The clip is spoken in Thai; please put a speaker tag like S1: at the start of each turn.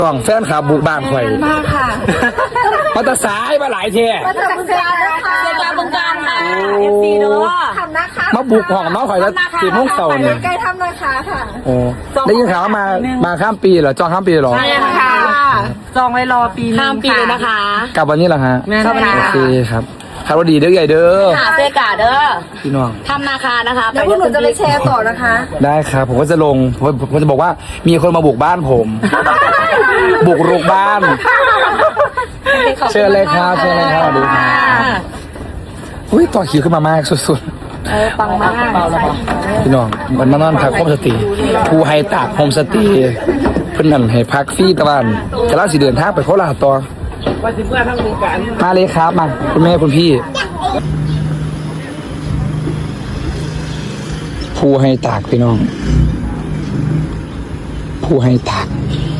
S1: ต้องแฟนขาบุกบ้านข่อย
S2: มากค่ะ
S1: มาตะสายมาหลายเท่
S2: มาจากเซียนะคะเซียบงการค่ะ FC เด้อทำนะคะ
S1: มาบุกห้องน้องข่อยแล้ว4 โมงเช้าเนี่ย
S2: ใกล้ทำนะคะค่ะ
S1: โอ้ได้ยินข่าวว่ามาข้ามปีเหรอจองข้ามปีเหรอ
S2: ใช่ค่ะจองไว้รอปีข้ามปีเลยนะคะ
S1: กลับวันนี้เหรอฮะ
S2: แม่นค่ะ
S1: โอเคครับครับว่าดีเด้อใหญ่เด้อ
S2: ค่ะเซกาเด้อ
S1: พี่น้อง
S2: ทำนาคานะคะเดี๋ยวพวกหนูจะไปแชร์ต่อนะคะ
S1: ได้ครับผมก็จะลงผมจะบอกว่ามีคนมาบุกบ้านผม บุกรุกบ้าน เชิญเลยครับเชิญเลยครับดูครับอุ้ยต่อคิวขึ้นมามากสุด
S2: ปังมาก
S1: ๆพี่น้องมันมานอนพักโฮมสเตย์ภูไฮตากโฮมสเตย์เพื่อนนั่นให้พักฟรีตะวันแต่เราสิเดินทางไปโคราชต่อมาเลยครับมาคุณแม่คุณพี่ภูไฮตากพี่น้องภูไฮตาก